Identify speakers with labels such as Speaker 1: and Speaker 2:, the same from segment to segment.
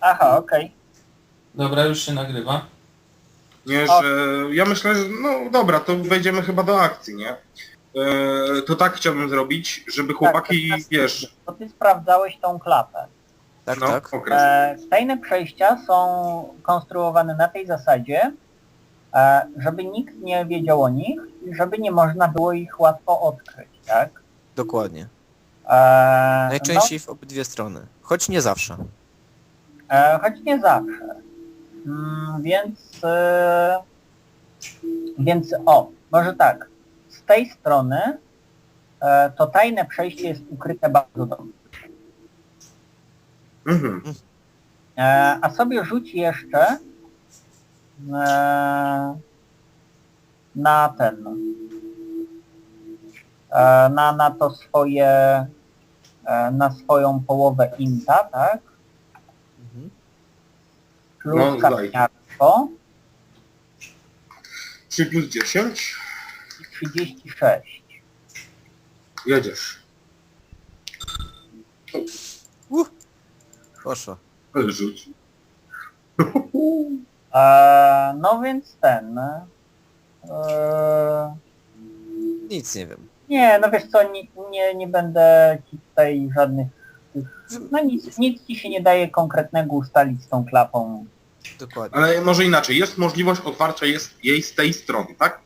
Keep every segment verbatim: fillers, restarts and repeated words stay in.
Speaker 1: Aha, okej.
Speaker 2: Dobra, już się nagrywa.
Speaker 3: Nie,
Speaker 1: O.
Speaker 3: że ja myślę, że no dobra, to wejdziemy chyba do akcji, nie? E, to tak chciałbym zrobić, żeby chłopaki,
Speaker 1: Tak,
Speaker 3: wiesz,
Speaker 1: Bo ty sprawdzałeś tą klapę.
Speaker 4: Tak,
Speaker 3: no,
Speaker 4: tak.
Speaker 3: okres.
Speaker 1: E, tajne przejścia są konstruowane na tej zasadzie, e, żeby nikt nie wiedział o nich i żeby nie można było ich łatwo odkryć, tak?
Speaker 4: Dokładnie.
Speaker 1: E,
Speaker 4: Najczęściej w obydwie strony. Choć nie zawsze.
Speaker 1: No, e, choć nie zawsze. Mm, więc... E, więc o, może tak. Z tej strony e, to tajne przejście jest ukryte bardzo dobrze.
Speaker 3: Mhm.
Speaker 1: E, a sobie rzuć jeszcze e, na ten, e, na, na to swoje, e, na swoją połowę inta, tak?
Speaker 4: Mhm.
Speaker 1: Plus
Speaker 3: No,
Speaker 1: kapniarstwo
Speaker 3: trzy plus dziesięć.
Speaker 1: i trzydzieści sześć.
Speaker 3: Jedziesz.
Speaker 4: Uh, poszło.
Speaker 3: Ale rzuć.
Speaker 1: E, no więc ten... E,
Speaker 4: Nic nie wiem.
Speaker 1: nie, no wiesz co, nie, nie, nie będę ci tutaj żadnych... tych- No nic, nic ci się nie daje konkretnego ustalić z tą klapą.
Speaker 4: Dokładnie.
Speaker 3: Ale może inaczej, jest możliwość otwarcia jest jej z tej strony, tak?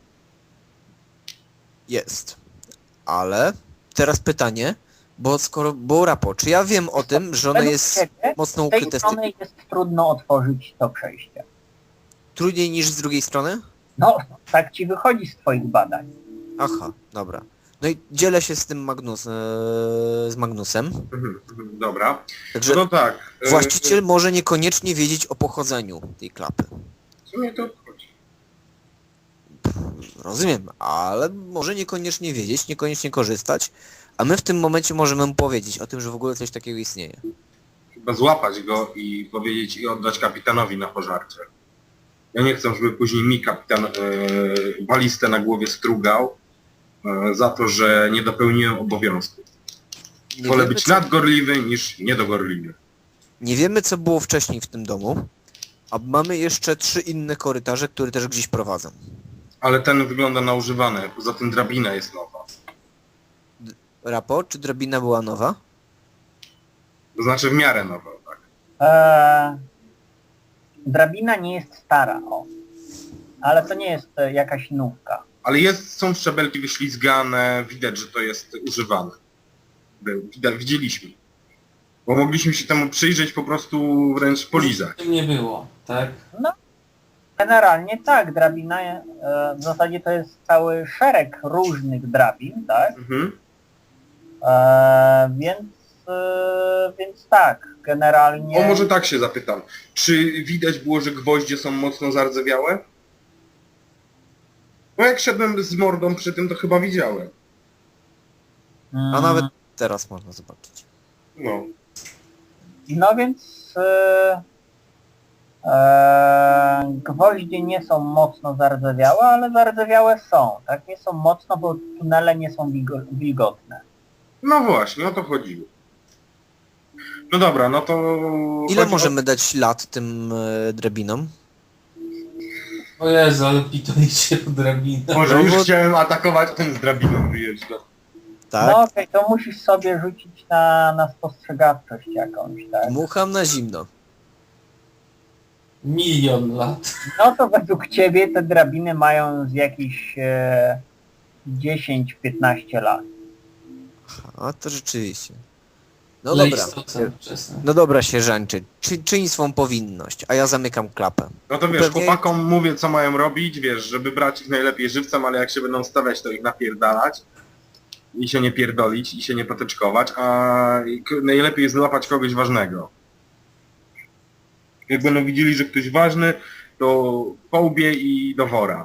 Speaker 4: Jest. Ale teraz pytanie, bo skoro było rapo, czy ja wiem o tym, że ono
Speaker 1: Według
Speaker 4: jest
Speaker 1: ciebie
Speaker 4: mocno
Speaker 1: z tej
Speaker 4: ukryte z tyłu?
Speaker 1: strony jest trudno otworzyć to przejście.
Speaker 4: Trudniej niż z drugiej strony?
Speaker 1: No, tak ci wychodzi z twoich badań.
Speaker 4: Aha, dobra. No i dzielę się z tym Magnus, e, z Magnusem.
Speaker 3: Mhm, mhm, dobra.
Speaker 4: Także
Speaker 3: No tak. e,
Speaker 4: właściciel może niekoniecznie wiedzieć o pochodzeniu tej klapy.
Speaker 3: Co mnie to obchodzi?
Speaker 4: Rozumiem, ale może niekoniecznie wiedzieć, niekoniecznie korzystać, a my w tym momencie możemy mu powiedzieć o tym, że w ogóle coś takiego istnieje.
Speaker 3: Chyba złapać go i powiedzieć i oddać kapitanowi na pożarcie. Ja nie chcę, żeby później mi kapitan e, balistę na głowie strugał e, za to, że nie dopełniłem obowiązku.
Speaker 4: Nie
Speaker 3: Wolę
Speaker 4: wiemy,
Speaker 3: być
Speaker 4: co,
Speaker 3: nadgorliwy niż niedogorliwy.
Speaker 4: nie wiemy, co było wcześniej w tym domu, a mamy jeszcze trzy inne korytarze, które też gdzieś prowadzą.
Speaker 3: Ale ten wygląda na używane, poza tym drabina jest nowa.
Speaker 4: Rapo, czy drabina była nowa?
Speaker 3: To znaczy w miarę nowa, tak.
Speaker 1: Eee, drabina nie jest stara, o. Ale to nie jest e, jakaś nówka.
Speaker 3: Ale jest, są szczebelki wyślizgane, widać, że to jest używane. Był, widać, widzieliśmy. Bo mogliśmy się temu przyjrzeć, po prostu wręcz polizać.
Speaker 2: Tym nie było, tak?
Speaker 1: Generalnie tak, drabina, e, w zasadzie to jest cały szereg różnych drabin, tak?
Speaker 3: Mhm.
Speaker 1: E, więc, e, więc tak, generalnie...
Speaker 3: O, może tak się zapytam. Czy widać było, że gwoździe są mocno zardzewiałe? No jak szedłem z mordą przy tym, to chyba widziałem.
Speaker 1: Mm,
Speaker 4: A nawet teraz można zobaczyć.
Speaker 3: No.
Speaker 1: No więc... E, e, gwoździe nie są mocno zardzewiałe, ale zardzewiałe są, tak? Nie są mocno, bo tunele nie są wilgo- wilgotne.
Speaker 3: No właśnie, o to chodziło. No dobra, no to...
Speaker 4: Ile
Speaker 3: chodzi
Speaker 4: możemy dać lat tym e, drabinom?
Speaker 2: O Jezu, ale pitolicie po drabinę.
Speaker 3: O... Może
Speaker 4: No
Speaker 3: już
Speaker 4: bo-
Speaker 3: chciałem atakować, a ten z drabiną wyjeżdża.
Speaker 4: Tak?
Speaker 1: No okej, to musisz sobie rzucić na, na spostrzegawczość jakąś, tak?
Speaker 4: Dmucham na zimno.
Speaker 2: Milion lat.
Speaker 1: No to według ciebie te drabiny mają z jakieś e, dziesięć piętnaście lat.
Speaker 4: A to rzeczywiście. No
Speaker 2: Lej
Speaker 4: dobra.
Speaker 2: stosem wczesny.
Speaker 4: No dobra, sierżanczy. Czy, czyń swą powinność, a ja zamykam klapę.
Speaker 3: No to wiesz,
Speaker 4: Pewnie-
Speaker 3: chłopakom mówię, co mają robić, wiesz, żeby brać ich najlepiej żywcem, ale jak się będą stawiać, to ich napierdalać i się nie pierdolić, i się nie potyczkować, a k- najlepiej jest złapać kogoś ważnego. Jak będą widzieli, że ktoś ważny, to po łbie i do wora.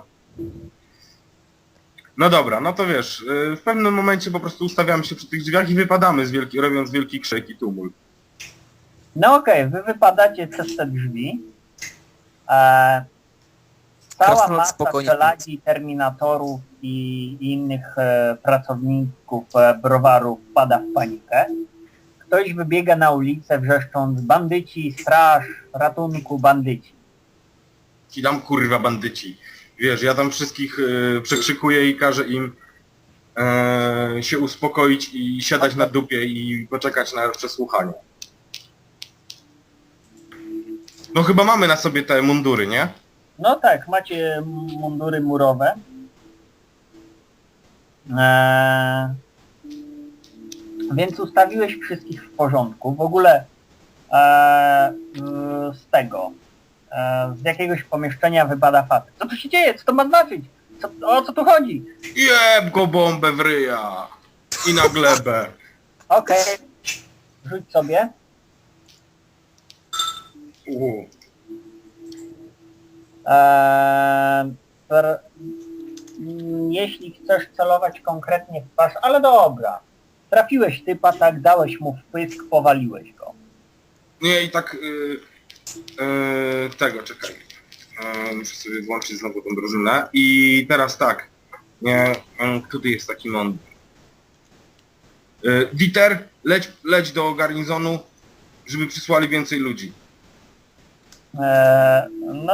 Speaker 3: No dobra, no to wiesz, yy, w pewnym momencie po prostu ustawiamy się przy tych drzwiach i wypadamy, z wielki, robiąc wielki krzyk i tumult.
Speaker 1: No okej, wy wypadacie przez te drzwi. E, cała
Speaker 4: Krasnolud
Speaker 1: masa
Speaker 4: spokojnie
Speaker 1: czeladzi, terminatorów i, i innych e, pracowników e, browaru wpada w panikę. ktoś wybiega na ulicę wrzeszcząc bandyci, straż, ratunku, bandyci.
Speaker 3: Ci dam kurwa bandyci. Wiesz, ja tam wszystkich y, przekrzykuję i każę im y, się uspokoić i siadać na dupie i poczekać na przesłuchanie. No chyba mamy na sobie te mundury, nie?
Speaker 1: No tak, macie mundury murowe. Eee, więc ustawiłeś wszystkich w porządku. W ogóle eee, z tego, eee, z jakiegoś pomieszczenia wypada facet. Co tu się dzieje? Co to ma znaczyć? Co, o co tu chodzi?
Speaker 3: Jeb go bombę w ryja! I na glebę.
Speaker 1: Okej, rzuć sobie.
Speaker 3: U.
Speaker 1: Eee, per, mm, jeśli chcesz celować konkretnie w twarz, ale dobra. Trafiłeś typa, tak, dałeś mu wpysk, powaliłeś go.
Speaker 3: Nie, i tak... Y, y, tego, czekaj. Y, muszę sobie włączyć znowu tą drużynę. I teraz tak. Nie, y, który jest taki mądry? Y, Dieter, leć, leć do garnizonu, żeby przysłali więcej ludzi.
Speaker 1: Eee, no,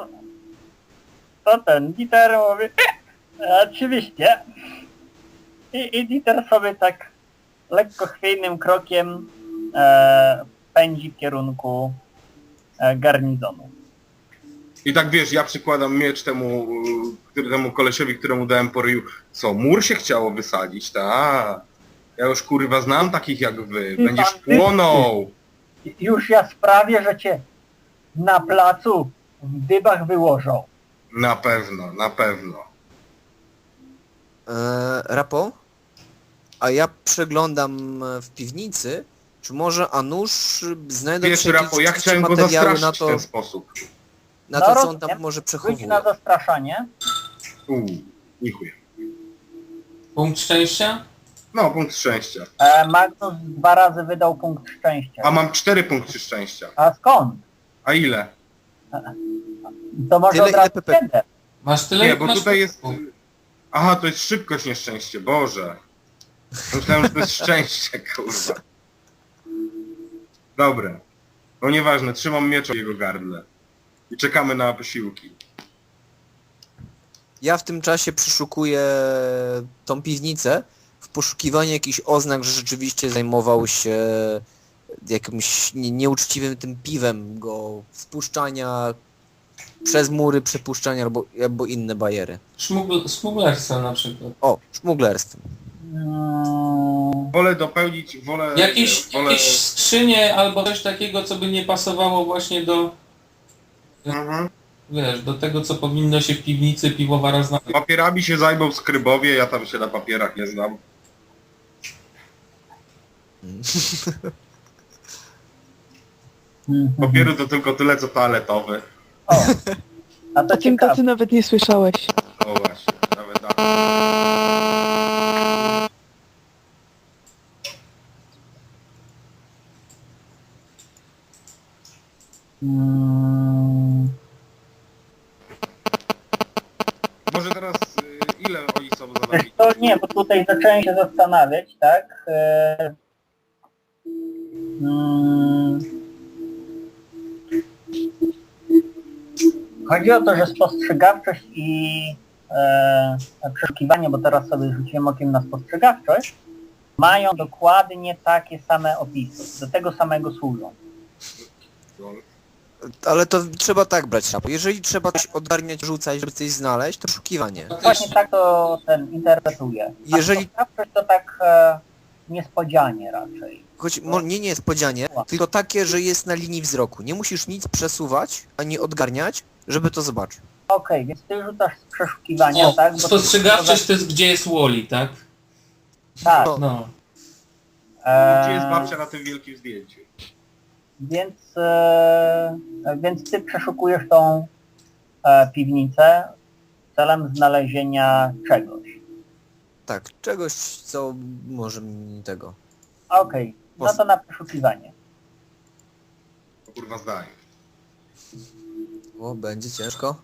Speaker 1: to ten Dieter mówi, "E, oczywiście. I, I Dieter sobie tak lekko chwiejnym krokiem e, pędzi w kierunku e, garnizonu.
Speaker 3: I tak wiesz, ja przykładam miecz temu, y, temu kolesiowi, któremu dałem po ryju. Co, mur się chciało wysadzić, ta? Ja już kurwa znam takich jak wy. Będziesz płonął.
Speaker 1: Już ja sprawię, że cię na placu w dybach wyłożą.
Speaker 3: Na pewno, na pewno.
Speaker 4: Eee, Rapo? A ja przeglądam e, w piwnicy, czy może a nuż znajdą
Speaker 3: Wiesz,
Speaker 4: się
Speaker 3: Rapo, ja
Speaker 4: jakieś
Speaker 3: chciałem go
Speaker 4: materiały
Speaker 3: zastraszyć
Speaker 4: na
Speaker 3: w
Speaker 4: to,
Speaker 3: ten sposób.
Speaker 4: na
Speaker 1: No
Speaker 4: to, co on
Speaker 1: rozumiem.
Speaker 4: tam może
Speaker 1: Rzuć
Speaker 4: przechowuje.
Speaker 1: na zastraszanie.
Speaker 3: Uuu, dziękuję.
Speaker 2: Punkt szczęścia?
Speaker 3: No, punkt szczęścia.
Speaker 1: E, Magnus dwa razy wydał punkt szczęścia.
Speaker 3: A mam cztery punkty szczęścia.
Speaker 1: A skąd?
Speaker 3: A ile?
Speaker 1: To może
Speaker 4: Tyle,
Speaker 1: od
Speaker 4: ile
Speaker 1: razu
Speaker 4: Pepe-
Speaker 1: jeden.
Speaker 2: Masz tyle,
Speaker 3: Nie,
Speaker 2: jak
Speaker 3: bo
Speaker 2: masz
Speaker 3: tutaj jest...
Speaker 2: punktów.
Speaker 3: Aha, to jest szybkość, nieszczęście, Boże. Myślałem, że to jest szczęście, kurwa. Dobra. No nieważne, trzymam miecz w jego gardle. I czekamy na posiłki.
Speaker 4: Ja w tym czasie przeszukuję tą piwnicę w poszukiwaniu jakichś oznak, że rzeczywiście zajmował się jakimś nie- nieuczciwym tym piwem go spuszczania przez mury, przepuszczania albo, albo inne bajery.
Speaker 2: Szmugl- Smuglerstwo na przykład.
Speaker 4: O, szmuglerstwem.
Speaker 1: Mm,
Speaker 3: Wolę dopełnić, wolę...
Speaker 2: Jakieś,
Speaker 3: wolę...
Speaker 2: jakieś skrzynie albo coś takiego, co by nie pasowało właśnie do,
Speaker 3: Mhm.
Speaker 2: wiesz, do tego, co powinno się w piwnicy piwowara znaleźć.
Speaker 3: Papierami się zajmą skrybowie, ja tam się na papierach nie znam.
Speaker 1: mhm.
Speaker 3: Papieru to tylko tyle, co toaletowy.
Speaker 1: O, a to
Speaker 5: O tym
Speaker 1: ciekawe.
Speaker 5: tacy nawet nie słyszałeś.
Speaker 3: O właśnie, nawet tak.
Speaker 1: Mm,
Speaker 3: Może teraz y, ile oni są za
Speaker 1: Wiesz
Speaker 3: nami?
Speaker 1: to nie, bo tutaj zacząłem się zastanawiać, tak? E, mm, chodzi o to, że spostrzegawczość i e, przeszukiwanie, bo teraz sobie rzuciłem okiem na spostrzegawczość, mają dokładnie takie same opisy, do tego samego służą.
Speaker 4: Ale to trzeba tak brać, Rapo. Jeżeli trzeba coś ogarniać, rzucać, żeby coś znaleźć, to poszukiwanie.
Speaker 1: Właśnie tak to ten interpretuje. A
Speaker 4: Jeżeli-
Speaker 1: spostrzegawczość to tak e, niespodzianie raczej.
Speaker 4: Choć mo- nie niespodzianie, tylko takie, że jest na linii wzroku. Nie musisz nic przesuwać, ani odgarniać, żeby to zobaczyć.
Speaker 1: Okej, więc ty rzucasz z przeszukiwania,
Speaker 2: O,
Speaker 1: tak? Bo
Speaker 2: spostrzegawczość to jest gdzie jest Wally, tak?
Speaker 1: Tak.
Speaker 4: No.
Speaker 2: No.
Speaker 3: Gdzie jest
Speaker 1: E,
Speaker 3: babcia na tym wielkim zdjęciu?
Speaker 1: więc, e, więc ty przeszukujesz tą e, piwnicę celem znalezienia czegoś.
Speaker 4: Tak, czegoś, co może mi tego.
Speaker 1: Okej, no to na przeszukiwanie.
Speaker 3: To kurwa zdaje.
Speaker 4: O, będzie ciężko.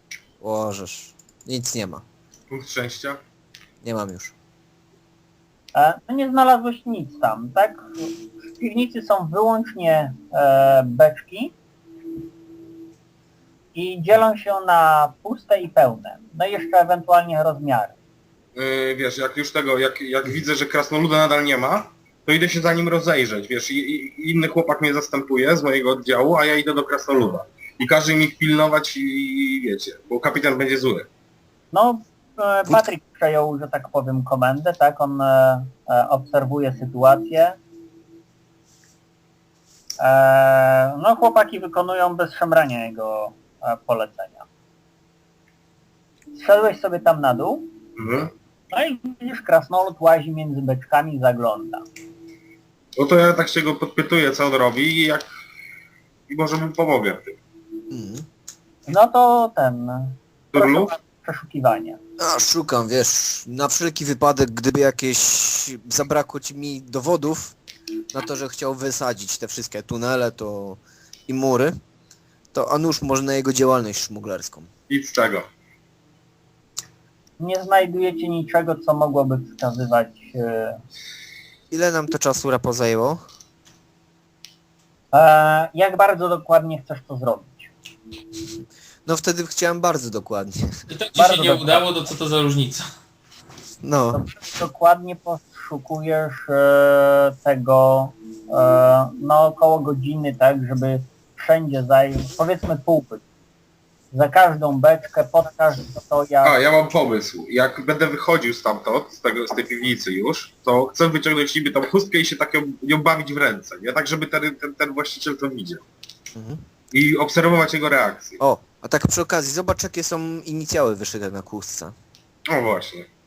Speaker 4: Łożesz. Nic nie ma.
Speaker 3: Punkt szczęścia?
Speaker 4: Nie mam już.
Speaker 1: E, no nie znalazłeś nic tam, tak? W piwnicy są wyłącznie e, beczki i dzielą się na puste i pełne. No i jeszcze ewentualnie rozmiary.
Speaker 3: Yy, wiesz, jak już tego, jak, jak widzę, że krasnoluda nadal nie ma, to idę się za nim rozejrzeć, wiesz, i, i inny chłopak mnie zastępuje z mojego oddziału, a ja idę do krasnoluda. I każe mi ich pilnować i, i wiecie, bo kapitan będzie zły.
Speaker 1: No, e, Patryk przejął, że tak powiem, komendę, tak? On e, e, obserwuje sytuację. E, no, chłopaki wykonują bez szemrania jego e, polecenia. Zszedłeś sobie tam na dół,
Speaker 3: Mhm.
Speaker 1: no i widzisz, krasnolud łazi między beczkami, zagląda.
Speaker 3: No to ja tak się go podpytuję, co on robi i jak... I może mu pomogę w tym.
Speaker 4: Mhm.
Speaker 1: No to ten...
Speaker 3: Turlu?
Speaker 1: Proszę przeszukiwanie.
Speaker 4: A, szukam, wiesz, na wszelki wypadek, gdyby jakieś zabrakło ci mi dowodów na to, że chciał wysadzić te wszystkie tunele to i mury, to a nuż może na jego działalność szmuglerską.
Speaker 3: Nic z czego.
Speaker 1: Nie znajdujecie niczego, co mogłoby wskazywać... E,
Speaker 4: Ile nam to czasu rapo zajęło?
Speaker 1: e, jak bardzo dokładnie chcesz to zrobić?
Speaker 4: No wtedy chciałem bardzo dokładnie.
Speaker 2: I tak ci
Speaker 1: Bardzo
Speaker 2: się nie
Speaker 1: dobrze.
Speaker 2: udało, to co to za różnica?
Speaker 4: No,
Speaker 1: Dokładnie poszukujesz e, tego e, no około godziny, tak, żeby wszędzie zająć, powiedzmy półpyt. Za każdą beczkę, pod każdy
Speaker 3: A,
Speaker 1: stojak.
Speaker 3: ja mam pomysł. Jak będę wychodził stamtąd, z, tego, z tej piwnicy już, to chcę wyciągnąć niby tą chustkę i się tak ją, ją bawić w ręce, nie? Tak, żeby ten, ten, ten właściciel to widział.
Speaker 4: mhm.
Speaker 3: I obserwować jego reakcję.
Speaker 4: O, a tak przy okazji, zobacz jakie są inicjały wyszyte na kłódce.
Speaker 3: No właśnie.